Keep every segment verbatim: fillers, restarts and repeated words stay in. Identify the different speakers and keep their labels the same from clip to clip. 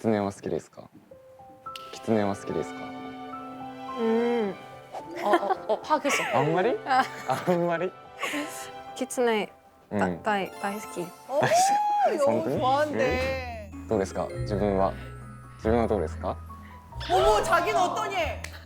Speaker 1: 狐は好きですか？狐は好きですか？
Speaker 2: 음,
Speaker 3: 어, 어, 어, 파악했어.
Speaker 1: あんまり？
Speaker 2: 아,
Speaker 1: あんまり？
Speaker 2: 키츠네
Speaker 1: うん。
Speaker 2: 다, 다이, 다이스키.
Speaker 4: 어, 너무 좋아한대.
Speaker 1: どうですか？自分は自分はどうですか？
Speaker 4: 어머, 자기는 어떠니?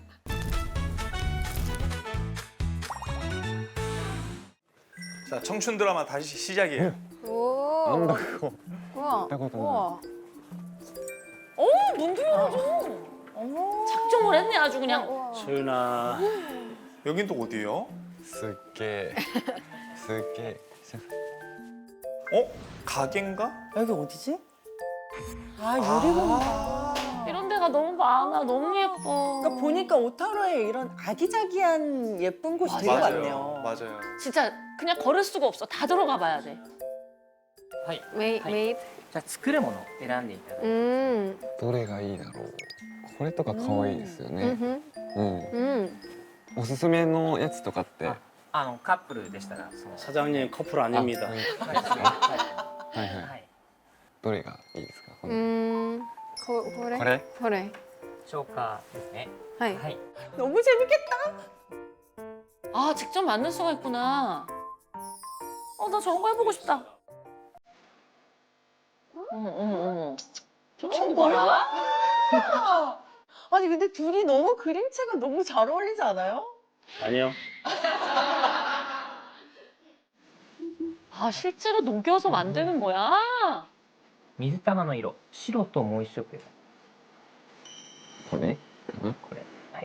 Speaker 5: 자, 청춘 드라마 다시 시작이에요.
Speaker 1: なんだ
Speaker 2: 오,
Speaker 1: ここ
Speaker 2: 우와,
Speaker 1: 見たことない
Speaker 2: 우와.
Speaker 3: 어, 문필요하죠. 어머. 작정을 했네, 아주 그냥.
Speaker 2: 우와.
Speaker 6: 소윤아.
Speaker 5: 여긴 또 어디예요?
Speaker 1: すっげえすっげえ
Speaker 5: 어? 가게인가?
Speaker 4: 여기 어디지? 아, 유리공가.
Speaker 3: 이런 데가 너무 많아. 너무 예뻐.
Speaker 4: 그러니까 보니까 오타로에 이런 아기자기한 예쁜 곳이 되게 많네요.
Speaker 5: 맞아요.
Speaker 3: 진짜 그냥 걸을 수가 없어. 다 들어가 봐야 돼.
Speaker 7: はい。
Speaker 2: 메이,
Speaker 7: はい
Speaker 2: 메이드.
Speaker 7: じゃあ作るものを選んでいただいて。
Speaker 2: 음,
Speaker 1: どれがいいだろう。これとか可愛いですよね。
Speaker 2: 음흠,
Speaker 1: うん。
Speaker 2: 음.
Speaker 1: おすすめのやつとかって。
Speaker 7: ああのカップルでしたらその
Speaker 6: 사장님 커플
Speaker 1: あ
Speaker 6: 아닙니다.
Speaker 1: はい
Speaker 7: はい
Speaker 1: はいはい。
Speaker 7: はい。
Speaker 1: どれがいいですか？この
Speaker 2: 음, 고, 고래?
Speaker 1: これ？
Speaker 2: 고래.
Speaker 7: 消化ですね。
Speaker 2: 하이.
Speaker 7: はい。
Speaker 4: 너무 재밌겠다.
Speaker 3: 아, 직접 만들 수가 있구나. 어, 나 저런 거 해보고 싶다. 어머, 어머, 어머. 저 친구 뭐야?
Speaker 4: 아니, 근데 둘이 너무 그림체가 너무 잘 어울리지 않아요?
Speaker 6: 아니요.
Speaker 3: 아, 실제로 녹여서 만드는 거야?
Speaker 7: 水玉の色白ともう一色です。
Speaker 1: これかな？
Speaker 7: これ。はい。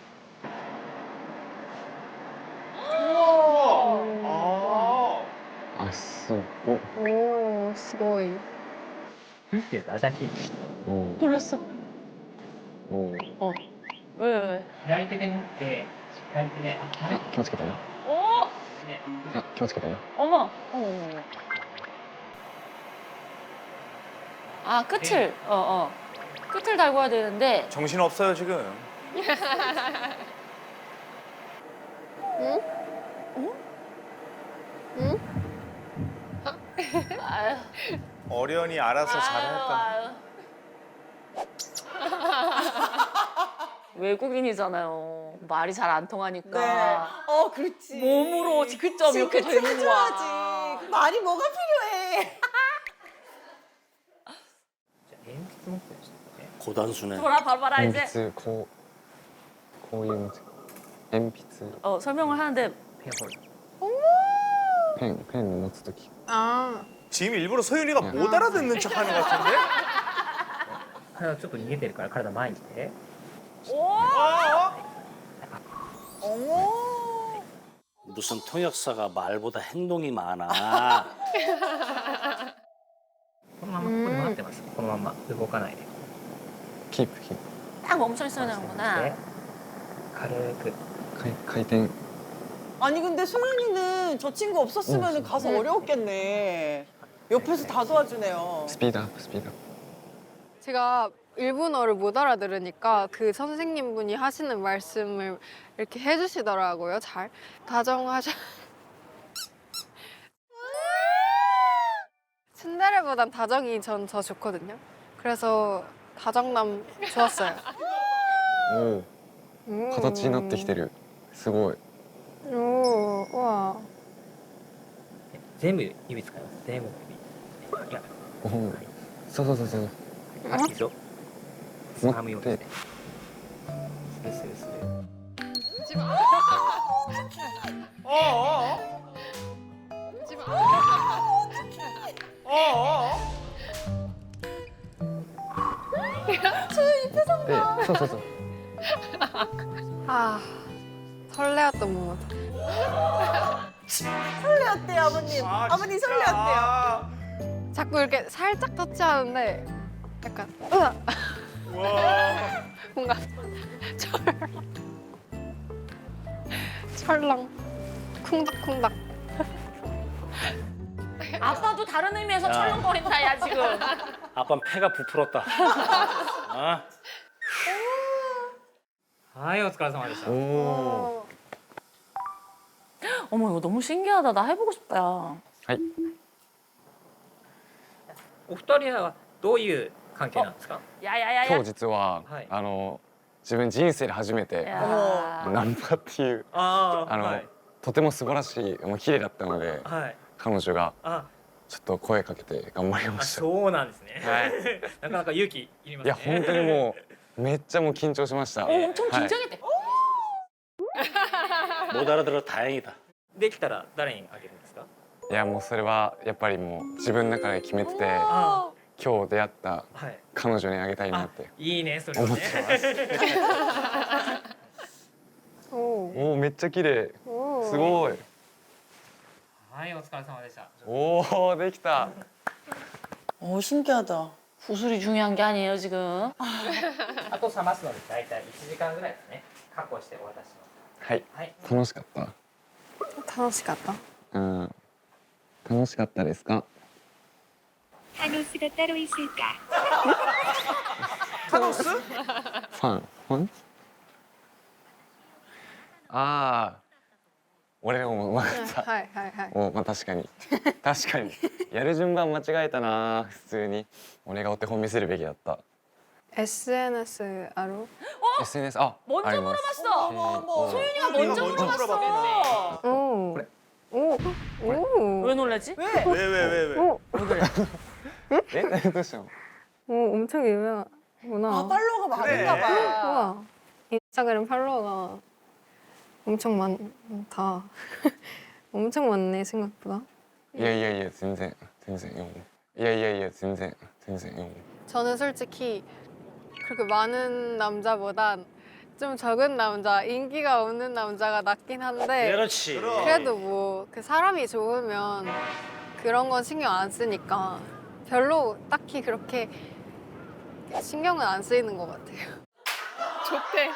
Speaker 5: 아.
Speaker 1: あ、すごい。
Speaker 2: 오, 스고이.
Speaker 7: っていうと新しい。
Speaker 1: お
Speaker 3: 놀랐어.
Speaker 1: おお。
Speaker 3: 어. 왜, 왜, 왜?
Speaker 7: 左手で持って左手で。
Speaker 1: あ、気をつけてよ。
Speaker 3: 어?
Speaker 7: ね。
Speaker 1: あ、気をつけてよ。
Speaker 3: 어머. 어머, 어머. 아, 끝을. 어, 어. 끝을 달고 해야 되는데.
Speaker 5: 정신 없어요, 지금.
Speaker 3: 아유.
Speaker 5: 어련히 알아서 잘할까.
Speaker 3: 아유, 아유. 외국인이잖아요. 말이 잘 안 통하니까.
Speaker 4: 네. 어, 그렇지.
Speaker 3: 몸으로 직접 이렇게
Speaker 4: 그치,
Speaker 3: 되는 거야.
Speaker 4: 해줘야지. 말이 뭐가 필요해.
Speaker 7: じゃあ鉛筆持ってる人ね。
Speaker 6: 고단수네.
Speaker 3: 봐라, 봐라, 봐라
Speaker 1: 鉛
Speaker 3: 이제.
Speaker 1: 筆こうこういう鉛筆
Speaker 3: 어, 설명을 하는데
Speaker 7: ペンホルダー。
Speaker 1: ペンペン持つとき
Speaker 2: 아,
Speaker 5: 지금 일부러 소윤이가
Speaker 1: 야.
Speaker 5: 못 알아듣는 척하는 것 같은데?
Speaker 7: 体ちょっと逃げてるから体前に来て。
Speaker 5: 어?
Speaker 4: 어머.
Speaker 6: 무슨 통역사가 말보다 행동이 많아.
Speaker 7: このままここで待ってます。このまま動かないで。
Speaker 1: キープキー
Speaker 3: 딱 멈춰 있어야
Speaker 7: で
Speaker 3: 되는구나.
Speaker 7: 軽く。
Speaker 1: プ回回転
Speaker 4: 아니, 근데 소연이는 저 친구 없었으면 가서 어려웠겠네. 옆에서 다 도와주네요.
Speaker 1: スピードアップスピードアッ
Speaker 2: 제가 일본어를 못 알아들으니까 그 선생님분이 하시는 말씀을 이렇게 해주시더라고요. 잘 다정하셔. 츤데레보단 다정이 전 더 좋거든요. 그래서 다정남 좋았어요.
Speaker 1: プお
Speaker 2: 음.
Speaker 1: お形になってきてるすごい
Speaker 2: 오, 우와.
Speaker 7: 全部指使います。全部指。いや。
Speaker 1: おおそうそうそうそう
Speaker 7: あ、いいぞ。
Speaker 1: 持
Speaker 7: 掴むよう
Speaker 1: って
Speaker 7: ですね。スルスルスル。
Speaker 5: 어? 어? 어? 어?
Speaker 1: でそうそうそう
Speaker 2: 아, 설레었던 moment.
Speaker 4: 설레었대요, 아버님.
Speaker 5: 아,
Speaker 4: 아버님
Speaker 5: 진짜.
Speaker 4: 설레었대요.
Speaker 5: 아.
Speaker 2: 자꾸 이렇게 살짝 터치하는데 약간 으아
Speaker 5: 와.
Speaker 2: 뭔가 철 철렁 쿵닥쿵닥.
Speaker 3: 아빠도 다른 의미에서
Speaker 6: 야.
Speaker 3: 철렁거린다, 야, 지금.
Speaker 6: 아빠 폐가 부풀었다. 아,
Speaker 7: はい、お疲れ様でした。
Speaker 1: おお
Speaker 2: 어,
Speaker 3: 어머, 이거 너무 신기하다. 나 해보고 싶다.
Speaker 1: はい
Speaker 7: お二人はどういう関係なんですか？
Speaker 3: 야야야야.
Speaker 1: 今日実は、
Speaker 7: はい
Speaker 1: あの自分人生で初めて
Speaker 3: 야.
Speaker 1: ナンパっていう
Speaker 7: あ
Speaker 1: あの、
Speaker 7: はい
Speaker 1: とても素晴らしいもう綺麗だったので
Speaker 7: はい。
Speaker 1: 彼女が
Speaker 7: あ
Speaker 1: ちょっと声かけて頑張りま
Speaker 7: あ
Speaker 1: した。
Speaker 7: そうなんですね。
Speaker 1: はい
Speaker 7: なかなか勇気いりますね。
Speaker 1: いや本当にもうめっちゃもう緊張しました。
Speaker 3: 어, 엄청
Speaker 1: はい
Speaker 3: 긴장했대.
Speaker 6: 못 알아들어 다행이다.
Speaker 7: できたら誰にあげるんですか？
Speaker 1: いやもうそれはやっぱりもう自分の中で決めてて
Speaker 7: あ
Speaker 1: 今日出会った
Speaker 7: はい。
Speaker 1: 彼女にあげたいな
Speaker 7: あ
Speaker 1: って
Speaker 7: いいねそれはね。
Speaker 2: 오.
Speaker 1: おおめっちゃ綺麗
Speaker 2: 오.
Speaker 1: すごい
Speaker 7: はいお疲れ様でした。
Speaker 1: おおできた
Speaker 4: 어 신기하다.
Speaker 3: 구슬이 중요한 게 아니에요 지금.
Speaker 7: あと冷ますのでだいたいいちじかんぐらいですね。確保してお渡しします。
Speaker 1: はい
Speaker 7: はい。
Speaker 1: 楽しかった
Speaker 2: 楽しかった
Speaker 1: うん楽しかったですか
Speaker 8: 타노스가 따로 있을까?
Speaker 4: 타노스?
Speaker 1: ファンファンああ俺でもうまかった
Speaker 2: はいはいはい
Speaker 1: おまあ確かに確かにやる順番間違えたな普通に俺がお手本見せるべきだった
Speaker 2: 에스엔에스 ある
Speaker 1: エスエヌエス あ
Speaker 3: 먼저
Speaker 1: あります
Speaker 3: 물어봤어.
Speaker 4: 어머 어머.
Speaker 3: 소윤이가
Speaker 5: 네가
Speaker 3: 먼저
Speaker 5: 먼저
Speaker 3: 물어봤어.
Speaker 2: 오.
Speaker 1: 그래.
Speaker 2: 오. 오.
Speaker 3: 왜 놀라지?
Speaker 4: 왜?
Speaker 5: 왜 왜 왜 왜?
Speaker 2: 오.
Speaker 3: 왜 그래?
Speaker 1: えどうしたの
Speaker 2: 오, 엄청 유명하구나.
Speaker 4: 아 팔로워가
Speaker 5: 그래.
Speaker 4: 많은가 봐.
Speaker 2: 우와. 인스타그램 팔로워가 엄청 많다. 엄청 많네 생각보다.
Speaker 1: いやいやいや全然全然よいやいやいや全然全然よ
Speaker 2: 저는 솔직히 그렇게 많은 남자보단 좀 적은 남자, 인기가 없는 남자가 낫긴 한데
Speaker 6: 그렇지.
Speaker 2: 그래도 뭐 그 사람이 좋으면 그런 건 신경 안 쓰니까 별로 딱히 그렇게 신경은 안 쓰이는 것 같아요. 좋대.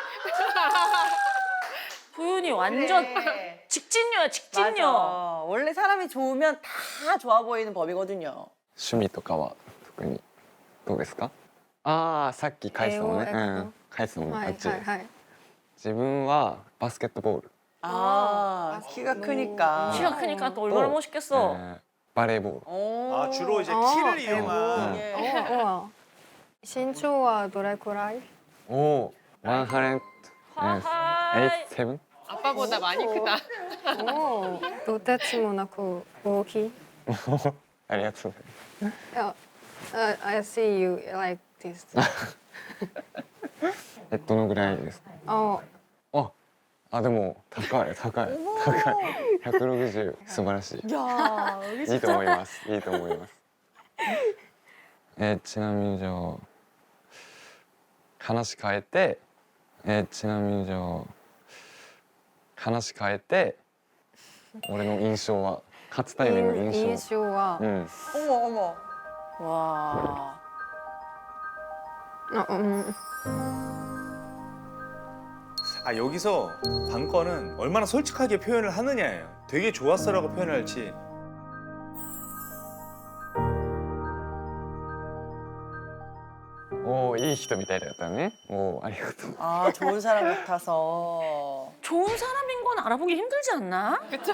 Speaker 3: 소윤이 완전
Speaker 4: 네.
Speaker 3: 직진녀야 직진녀.
Speaker 4: 맞아. 원래 사람이 좋으면 다 좋아 보이는 법이거든요.
Speaker 1: 趣味とかは特にどうですかああさっき返したのね
Speaker 2: 英語英語
Speaker 1: うん返したのねあっ
Speaker 2: 하이
Speaker 1: ち
Speaker 2: 하이 하이.
Speaker 1: 自分はバスケットボール
Speaker 4: 아, 키가 크니까.
Speaker 3: 키가 크니까 또 얼마나
Speaker 1: 또,
Speaker 3: 멋있겠어.
Speaker 1: えーバレーボール
Speaker 4: 오.
Speaker 5: 아 주로 이제
Speaker 2: 아,
Speaker 5: 키를
Speaker 2: 대박.
Speaker 5: 이용한
Speaker 4: 예.
Speaker 2: 어, 우와. 신초와 노래 고라이?
Speaker 1: おおワンハレンエイ
Speaker 3: 하하이.
Speaker 1: セブン
Speaker 2: 아빠보다 많이 크다. 오, 도대치모나코 오히.
Speaker 1: ありがとう
Speaker 2: 야, uh, I see you like this.
Speaker 1: えどのぐらいですか
Speaker 2: 어,
Speaker 1: ああでも高い高い高いひゃくろくじゅう素晴らしい
Speaker 4: 야, 여기
Speaker 1: いいと思いますいいと思いますえーちなみにじゃあ話変えてえーちなみにじゃあ話変えて俺の印象は初対面の印象
Speaker 2: 인쇼와
Speaker 1: うん
Speaker 4: 어머 어머. 와.
Speaker 2: 어, 음.
Speaker 5: 아 여기서 관건은 얼마나 솔직하게 표현을 하느냐예요. 되게 좋았어라고 표현할지.
Speaker 1: おおいい人みたいだったねおおありがとう
Speaker 4: 아, 좋은 사람 같아서.
Speaker 3: 좋은 사람인 건 알아보기 힘들지 않나? 그쵸.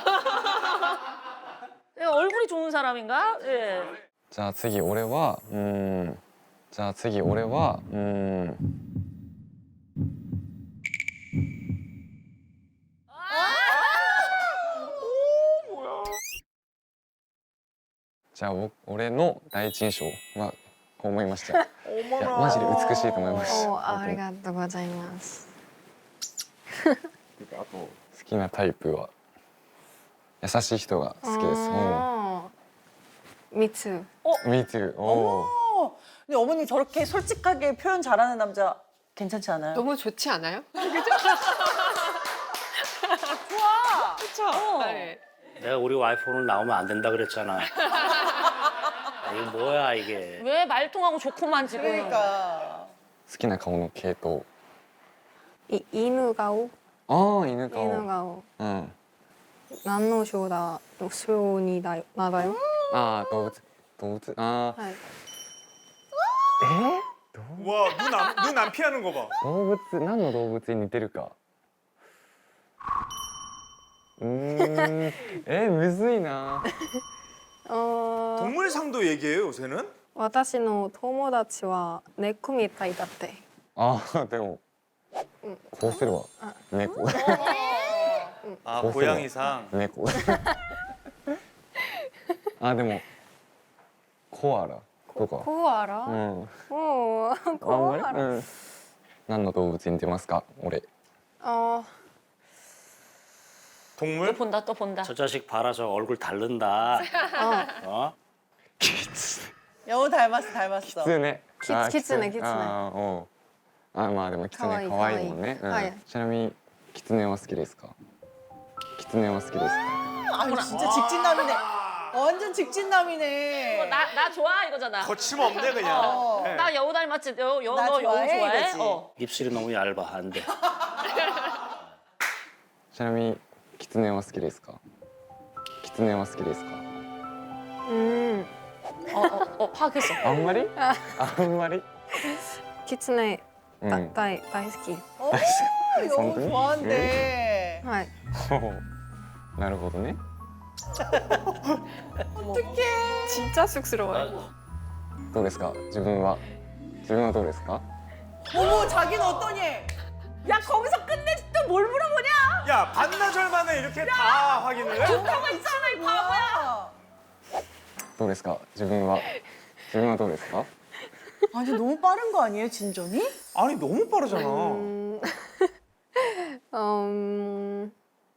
Speaker 3: 얼굴이 좋은 사람인가? 예.
Speaker 1: じゃあ次俺はうーんじゃあ次俺はうーん じゃあ僕俺の第一印象はこう思いましたいや
Speaker 5: 어머나.
Speaker 1: マジで美しいと思いました
Speaker 2: 오, 아리가또 고자이마스.
Speaker 1: あと好きなタイプは優しい人が好きです
Speaker 2: 어. 미츠.
Speaker 1: お Me too おお
Speaker 4: 어. 근데 어머니 저렇게 솔직하게 표현 잘하는 남자 괜찮지 않아요?
Speaker 9: 너무 좋지 않아요?
Speaker 4: 좋아.
Speaker 9: 그렇죠. 네.
Speaker 6: 내가 우리 와이프 오늘 나오면 안 된다 그랬잖아. 아, 이거 뭐야 이게.
Speaker 3: 왜 말통하고 좋구만 지금.
Speaker 4: 그러니까.
Speaker 1: 好きな顔の系統
Speaker 2: 이 이누가오?
Speaker 1: ああ犬顔
Speaker 2: 이누가오.
Speaker 1: うん
Speaker 2: 난노쇼다 쇼니 나 나다요?
Speaker 1: ああ動物動物ああ
Speaker 2: 하이.
Speaker 1: え
Speaker 5: 와, 눈 안, 눈 안 피하는 거 봐.
Speaker 1: 動物何の動物に似てるかうーんえむずいな
Speaker 2: 어.
Speaker 5: 동물상도 얘기해요, 요새는?
Speaker 2: 私の友達は猫みたいだって。
Speaker 1: ああでもこうすれば猫
Speaker 5: 아
Speaker 1: 고소해요.
Speaker 5: 고양이상.
Speaker 1: 猫あでもコアラとか
Speaker 2: コアラ？
Speaker 1: うん
Speaker 2: おお、
Speaker 1: あん
Speaker 2: コアラ。
Speaker 1: まりうん何の動物に似てますか俺
Speaker 2: 어,
Speaker 3: 또
Speaker 5: 동물?
Speaker 3: 본다 또 본다.
Speaker 6: 저 자식 봐라 저 얼굴 다른다.
Speaker 2: 어.
Speaker 6: 어?
Speaker 1: キツ
Speaker 4: 여우 닮았어, 닮았어.
Speaker 1: ネ
Speaker 2: キツキツネキツネ
Speaker 1: あーおうあまあでもキツ
Speaker 2: かわいい
Speaker 1: ネ可愛いもんね
Speaker 2: かわいいはい
Speaker 1: うんちなみにキツネは好きですかキツネは好きですか
Speaker 4: 아, 진짜 직진남이네. 완전 직진남이네.
Speaker 3: 나 나 좋아 이거잖아.
Speaker 5: 거침없네 그냥.
Speaker 4: 어.
Speaker 5: 네.
Speaker 3: 나 여우 닮았지. 여, 여,
Speaker 4: 나
Speaker 3: 너 여우
Speaker 4: 좋아해,
Speaker 3: 좋아해?
Speaker 4: 이거지.
Speaker 3: 어.
Speaker 6: 입술이 너무 얇아 안 돼.
Speaker 1: ちなみにキツネは好きですかキツネは好きですか
Speaker 2: 음,
Speaker 3: 어, 어, 어, 파악했어.
Speaker 1: あんまりあんまり
Speaker 2: 키츠네
Speaker 1: うん
Speaker 2: 다, 다이, 다이스키.
Speaker 4: 어, 여우
Speaker 1: 성분이?
Speaker 4: 좋아한대.
Speaker 2: はい。
Speaker 1: なるほどね
Speaker 4: 어떡해.
Speaker 2: 진짜 쑥스러워요.
Speaker 1: どうですか自分は自分はどうですか
Speaker 4: 어머, 자기는 어떠니? 야, 거기서 끝내 또 뭘 물어보냐?
Speaker 5: 야 반나절 만에 이렇게 다 확인을 해?
Speaker 4: 조카가 있잖아, 이 바보야.
Speaker 1: どうですか自分は自分はどうですか
Speaker 4: 아니, 너무 빠른 거 아니에요, 진전이?
Speaker 5: 아니 너무 빠르잖아.
Speaker 2: 음, 음,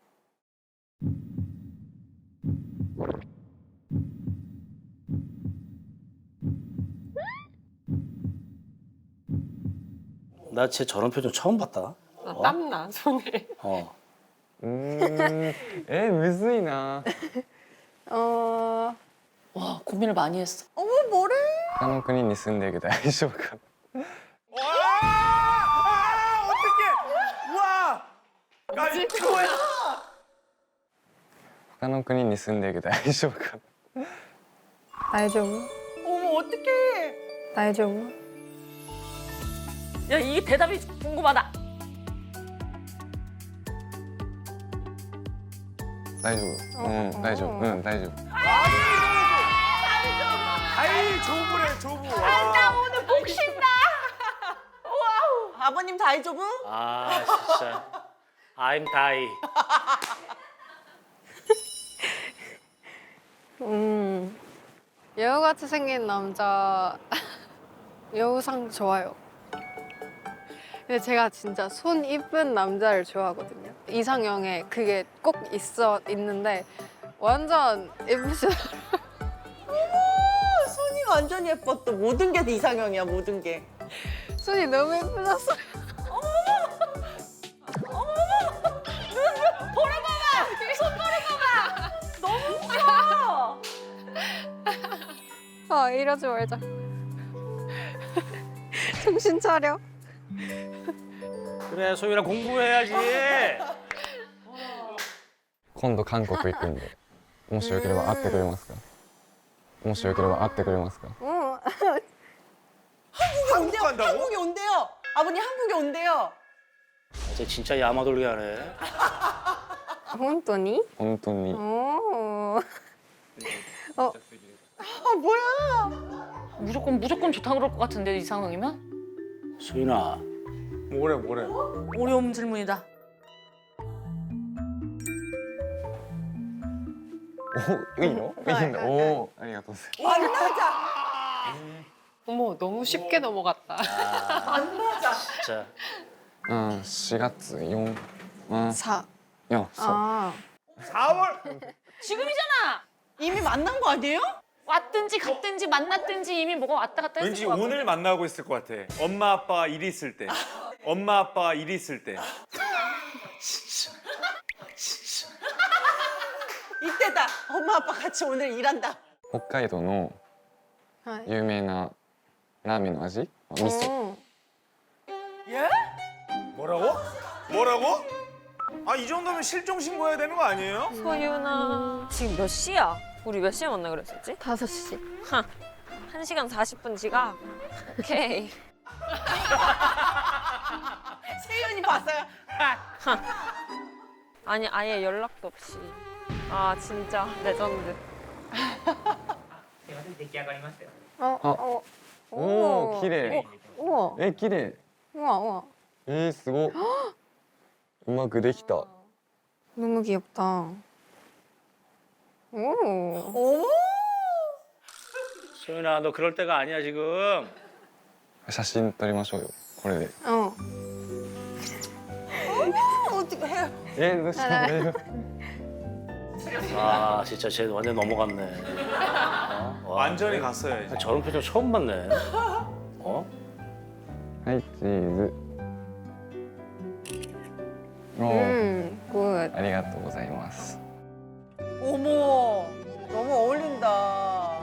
Speaker 6: 나 쟤 저런 표정 처음 봤다.
Speaker 9: 아, 땀나 손에.
Speaker 6: 어.
Speaker 1: うーんえむずいな
Speaker 2: 어,
Speaker 3: 와 고민을 많이 했어.
Speaker 4: 어머, 뭐래?
Speaker 1: 他の国に住んでるけど大丈夫か
Speaker 5: 와! 아, 어떡해! 와! 야 이거 뭐야?
Speaker 1: 他の国に住んでるけど大丈夫か
Speaker 2: 大丈夫?
Speaker 4: 어머, 어떡해.
Speaker 2: 大丈夫?
Speaker 3: 야 이게 대답이 궁금하다.
Speaker 1: 大丈夫うん大丈夫うん大丈夫
Speaker 5: 아이 조부래 조부. 와.
Speaker 3: 오늘 복 쉰다.
Speaker 4: 아버님 다이조부?
Speaker 6: 아 진짜. I'm die.
Speaker 2: 음, 여우같이 생긴 남자 여우상 좋아요. 근데 제가 진짜 손 이쁜 남자를 좋아하거든요. 이상형에 그게 꼭 있어 있는데 완전 예쁘시더라고요.
Speaker 4: 손이 완전 예뻐. 또 모든 게 이상형이야, 모든 게.
Speaker 2: 손이 너무 예쁘셨어요. 아 이러지 말자. 정신 차려.
Speaker 6: 그래 소율아 공부해야지.
Speaker 1: 今度韓国行くんでもしよければ会ってくれますかもしよければ会ってくれますか
Speaker 2: 응.
Speaker 4: 한국에 온대요.
Speaker 5: 간다고?
Speaker 4: 한국에 온대요. 아버님 한국에 온대요.
Speaker 6: 쟤 진짜 야마돌게 하네.
Speaker 2: 本当に?
Speaker 1: 本当に
Speaker 2: 오. 어,
Speaker 4: 아, 뭐야.
Speaker 3: 무조건 무조건 좋다 그럴 것 같은데 이 상황이면?
Speaker 6: 소윤아
Speaker 5: 뭐래 뭐래.
Speaker 3: 어려운 질문이다.
Speaker 1: おいいのいいんだおおありがとうございます
Speaker 4: 안 맞아.
Speaker 9: 어머 너무 쉽게 넘어갔다.
Speaker 4: 안 맞아.
Speaker 6: 진짜.
Speaker 1: うんしがつよんうん
Speaker 2: 사.
Speaker 1: よんそう
Speaker 2: 아.
Speaker 5: 사월.
Speaker 3: 지금이잖아.
Speaker 4: 이미 만난 거 아니에요?
Speaker 3: 왔든지 갔든지 만났든지 이미 뭐가 왔다 갔다 했을
Speaker 5: 왠지
Speaker 3: 것 같고.
Speaker 5: 오늘 만나고 있을 것 같아. 엄마 아빠 일 있을 때. 엄마 아빠 일 있을 때.
Speaker 4: 이때다. 엄마 아빠 같이 오늘 일한다.
Speaker 1: 北海道の
Speaker 2: はい。
Speaker 1: 有名なラーメンの味味噌
Speaker 2: 어.
Speaker 4: 예?
Speaker 5: 뭐라고? 뭐라고? 아 이 정도면 실종 신고해야 되는 거 아니에요?
Speaker 10: 소윤아 지금 몇 시야? 우리 몇 시에 만나 그랬었지?
Speaker 2: 다섯 시.
Speaker 10: 한 시간 사십 분 지각? 오케이.
Speaker 4: 세윤이 봤어요.
Speaker 10: 아니 아예 연락도 없이. 아 진짜 레전드.
Speaker 7: すいません出来上がりましたよ
Speaker 2: 어,
Speaker 1: 아.
Speaker 2: 어.
Speaker 1: 오, 기레.
Speaker 2: 우와,
Speaker 1: 에, 기레.
Speaker 2: 우와, 우와.
Speaker 1: 에, すごい。うまくできた。
Speaker 2: 너무 귀엽다. 오.
Speaker 4: 어머!
Speaker 6: 소윤아 너 그럴 때가 아니야 지금.
Speaker 1: 写真撮りましょうよ。これで。
Speaker 2: 어.
Speaker 4: 어떻게 해?
Speaker 1: え、どうした大丈夫
Speaker 6: 아 진짜 쟤 완전 넘어갔네. 어? 와,
Speaker 5: 완전히
Speaker 6: 그래?
Speaker 5: 갔어요. 이제.
Speaker 6: 저런 표정 처음 봤네. 어?
Speaker 1: はい、チーズ。おー
Speaker 2: 음, 굿.
Speaker 1: ありがとうございます。
Speaker 4: 어머! 너무 어울린다.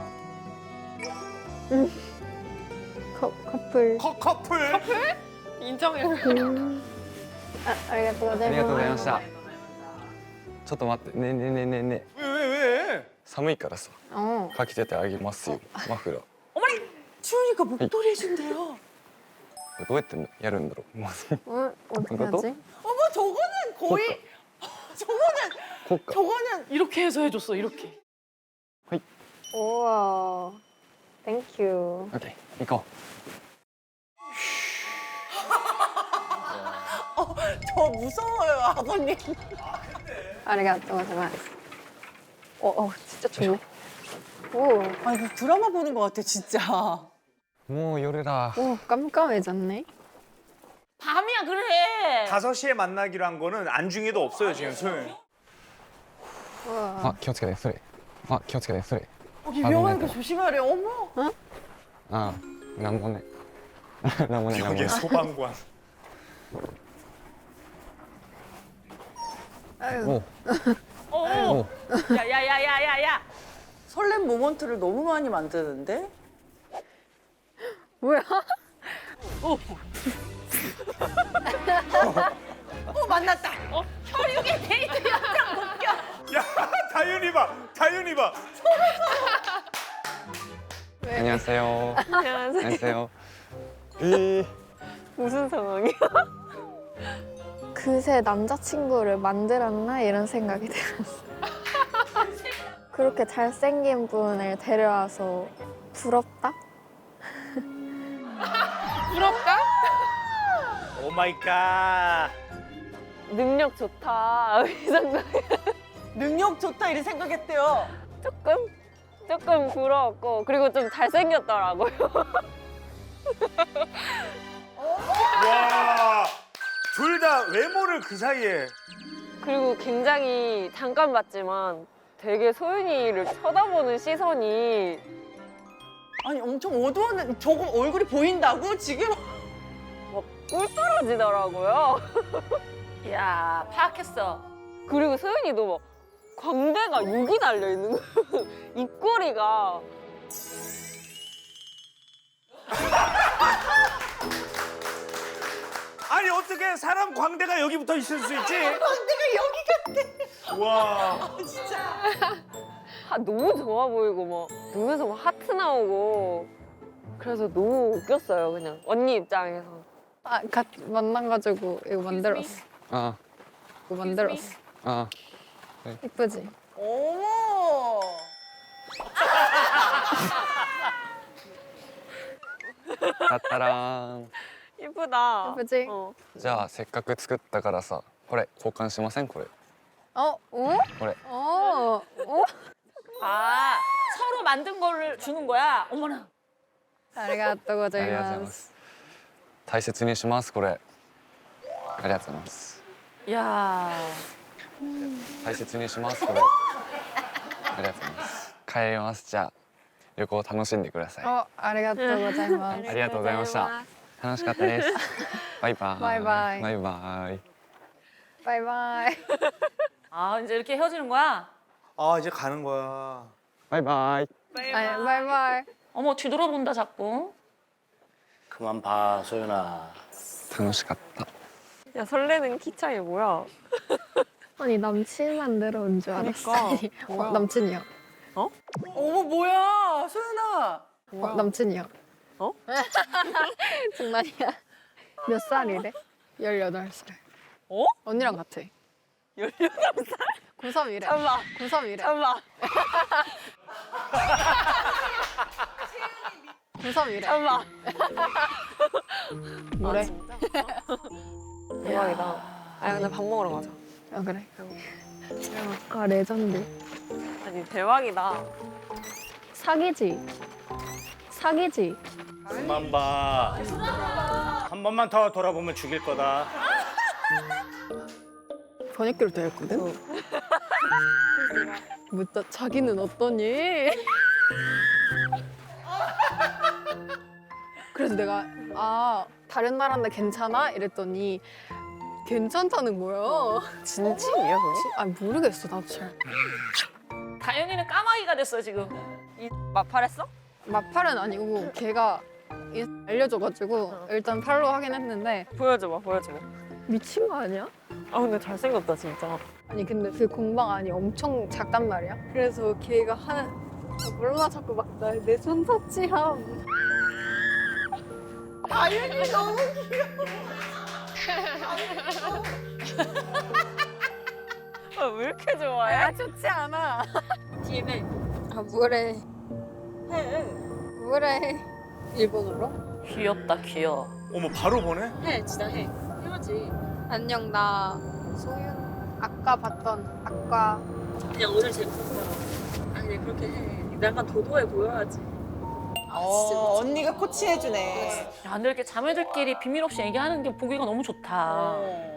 Speaker 2: 커, 커플.
Speaker 5: 커, 커플.
Speaker 9: 인정해.
Speaker 2: 음. 아, 아리가또
Speaker 1: ありがとうございました。
Speaker 2: 고자이마스.
Speaker 1: ちょっと待って、ねえねえねえねえねえ。
Speaker 5: 왜, 왜, 왜?
Speaker 1: 寒いからさ、
Speaker 2: 어.
Speaker 1: かけててあげますよ。マフラー。
Speaker 4: 추우니까 목도리 해준대요.
Speaker 1: これどうやってやるんだろう。まず
Speaker 2: 어, 어떻게
Speaker 1: 이것도?
Speaker 2: 하지?
Speaker 4: 어머 저거는 거의 저거는
Speaker 1: こっか。
Speaker 4: 저거는
Speaker 9: 이렇게 해서 해줬어, 이렇게.
Speaker 2: 우와. 땡큐.
Speaker 1: オッケー、行こ
Speaker 4: 저 무서워요 아버님.
Speaker 2: 아리가또 고자이마스. 어, 어, 진짜 좋네. 오,
Speaker 4: 아 이거 드라마 보는 것 같아 진짜.
Speaker 1: う。もう夜だ。
Speaker 2: 오, 깜깜해졌네.
Speaker 3: 밤이야 그래.
Speaker 5: 다섯 시에 만나기로 한 거는 안중에도 없어요, 지금 소윤.
Speaker 2: 우와.
Speaker 1: あ、気をつけて、それ。あ、気をつけて、それ。
Speaker 4: 여기 위험하니까 조심하래. 어머.
Speaker 1: あ、なんもね。なんもね、なんもね
Speaker 5: 벽에 。 소방관.
Speaker 2: 아유.
Speaker 1: おう
Speaker 3: 어.
Speaker 1: おう。
Speaker 3: 야야야야야야.
Speaker 4: 설렘 모먼트를 너무 많이 만드는데?
Speaker 2: 뭐야?
Speaker 4: 어 만났다.
Speaker 3: 혈육의 데이트 영상 웃겨.
Speaker 5: 야, 다윤이 봐. 다윤이 봐.
Speaker 1: 안녕하세요.
Speaker 2: 안녕하세요.
Speaker 1: 안녕하세요. 이
Speaker 2: 무슨 상황이야? 그새 남자친구를 만들었나 이런 생각이 들었어. 그렇게 잘생긴 분을 데려와서 부럽다?
Speaker 9: 부럽다?
Speaker 6: 오 마이 갓.
Speaker 10: 능력 좋다 이 생각.
Speaker 4: 능력 좋다 이런 생각했대요.
Speaker 10: 조금 조금 부러웠고 그리고 좀 잘생겼더라고요.
Speaker 5: 와, 둘 다 외모를 그 사이에.
Speaker 10: 그리고 굉장히 잠깐 봤지만 되게 소윤이를 쳐다보는 시선이
Speaker 4: 아니 엄청 어두웠는데 저거 얼굴이 보인다고 지금?
Speaker 10: 꿀 떨어지더라고요.
Speaker 3: 야 파악했어.
Speaker 10: 그리고 소윤이도 막 광대가 육이 달려 있는 거예요. 입꼬리가.
Speaker 5: 아니 어떻게 사람 광대가 여기 붙어 있을 수 있지?
Speaker 4: 광대가 여기 같대.
Speaker 5: 와.
Speaker 4: 진짜.
Speaker 10: 하, 너무 좋아 보이고 막 눈에서 막 하트 나오고 그래서 너무 웃겼어요 그냥 언니 입장에서.
Speaker 2: 아, 같 만나가지고 이거 만들었어.
Speaker 1: 아,
Speaker 2: 이거 만들었어.
Speaker 1: 아,
Speaker 2: 이쁘지?
Speaker 4: 어머.
Speaker 1: 따따란.
Speaker 10: 이쁘다.
Speaker 2: 예쁘지?
Speaker 10: 어.
Speaker 1: じゃあせっかく作ったからさ、これ交換しませんこれ。
Speaker 2: 어? 오?
Speaker 1: これ。
Speaker 2: 어? 오?
Speaker 3: 아 서로 만든 거를 주는 거야. 어머나.
Speaker 2: 아리가또
Speaker 1: ありがとうございま
Speaker 2: 고자이마스.
Speaker 1: す。大切にしますこれ。ありがとうございます。
Speaker 3: 야.
Speaker 1: 大切にしますこれ。ありがとうございます。帰りますじゃあ旅行楽しんでください。
Speaker 2: 어, 아리가또 고자이마스.
Speaker 1: ありがとうございました。楽しかったです。バイバイ。
Speaker 2: バイバイ
Speaker 1: バイバイ。
Speaker 2: 바이바이.
Speaker 3: 아 이제 이렇게 헤어지는 거야.
Speaker 5: 아 이제 가는 거야.
Speaker 1: バイバイ。
Speaker 2: 아니, 바이바이.
Speaker 3: 어머 뒤돌아본다 자꾸.
Speaker 6: 그만 봐 소윤아.
Speaker 1: 楽しかった。
Speaker 10: 야 설레는 키 차이 뭐야?
Speaker 2: 아니, 남친 만들어 온 줄 알았어.
Speaker 9: 그러니까.
Speaker 2: 어, 남친이야.
Speaker 4: 어머 뭐야 소연아.
Speaker 2: 어, 남친이야.
Speaker 10: 어?
Speaker 2: 장난이야. 몇 살이래? 열여덟 살.
Speaker 10: 어?
Speaker 2: 언니랑 같아.
Speaker 10: 열여덟 살?
Speaker 2: 구삼이래.
Speaker 10: 잠깐만.
Speaker 2: 구삼이래.
Speaker 10: 잠깐만.
Speaker 2: 구삼이래.
Speaker 10: 엄마.
Speaker 2: 뭐래?
Speaker 10: 아, 진짜? 대박이다. 아 근데 밥 먹으러 가자.
Speaker 2: 아 그래? 아 레전드.
Speaker 10: 아니 대박이다.
Speaker 2: 사기지. 사기지.
Speaker 6: 그만 봐. 한 번만 더 돌아보면 죽일 거다.
Speaker 2: 번역기로 되어 있거든. 묻다 자기는 어떠니? 그래서 내가 아 다른 나라인데 괜찮아? 이랬더니 괜찮다는 거야.
Speaker 10: 진심이야 그게?
Speaker 2: 아 모르겠어 나도 잘.
Speaker 3: 다현이는 까마귀가 됐어 지금.
Speaker 10: 이 마팔했어?
Speaker 2: 마팔은 아니고 걔가 이- 알려줘가지고 일단 팔로우 하긴 했는데
Speaker 10: 보여줘봐 보여줘봐.
Speaker 2: 미친 거 아니야?
Speaker 10: 아 근데 잘생겼다 진짜.
Speaker 2: 아니 근데 그 공방 안이 엄청 작단 말이야. 그래서 걔가 하는 아, 몰라 자꾸 막 내 손 터치함.
Speaker 4: 다현이 너무
Speaker 10: 아, 왜 이렇게 좋아해?
Speaker 2: 아 좋지 않아.
Speaker 10: 팀에
Speaker 2: 아 뭐래
Speaker 10: 해.
Speaker 2: 뭐래 일본어로?
Speaker 3: 귀엽다 귀여워.
Speaker 5: 어머 바로 보내?
Speaker 10: 해 진짜 해. 해야지.
Speaker 2: 안녕 나 소윤 아까 봤던 아까
Speaker 10: 그냥 오늘 재밌었어. 아니 그렇게 해. 약간 도도해 보여야지.
Speaker 4: 어, 언니가 코치해주네.
Speaker 3: 야, 근데 이렇게 자매들끼리 비밀 없이 얘기하는 게 보기가 너무 좋다.
Speaker 4: 어.